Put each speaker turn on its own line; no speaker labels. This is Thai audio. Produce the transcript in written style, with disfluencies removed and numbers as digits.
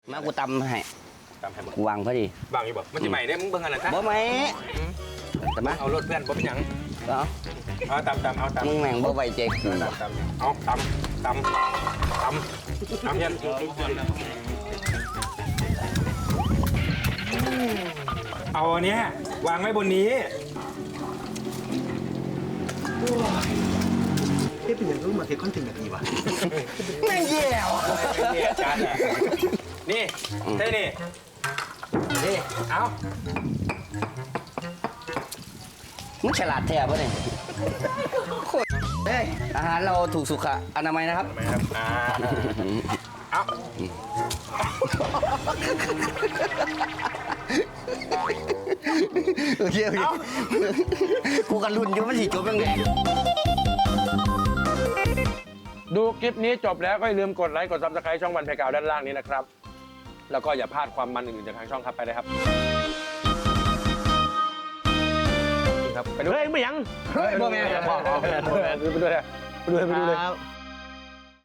มากูตำให้
ตามให้หมด
กูวางพอดี
บางอยู่บอกมันจะใหม่ได้มึงเบิ่งอะไรซะ
บ่ไหมแต่มา
เอารถเพื่อนบ่เป็นหยัง
เอา
เอาตามเอาตาม
มึงแม่งบ่ไว้ใจกู
ตามเอาตามยันเอาอันเนี้ยวางไว้บนนี้
เป็นอย่างรู้มาเทคอนเทนต์แบบนี้วะ
แม่งแย่ว่ะ
นี่จานอ่ะนี่ใช่นี่นี่เอา
มึงฉลาดแท้ป่ะเนี่ยโคตรเอ้ยอาหารเราถูกสุขอนามัยนะครับ
ทำไมครับเอา
โอเคกูกันรุ่นอยู่มันสิจบยังไง
ดูคลิปนี้จบแล้วก็อย่าลืมกดไลค์กดซับสไครต์ช่องวันเพกาวด้านล่างนี้นะครับแล้วก็อย่าพลาดความมันอื่นๆจากทางช่องครับไปเลยครับไปดู
เฮ้ยไม่ยัง
เฮ้ยบ่แม่น
ไปดูเลย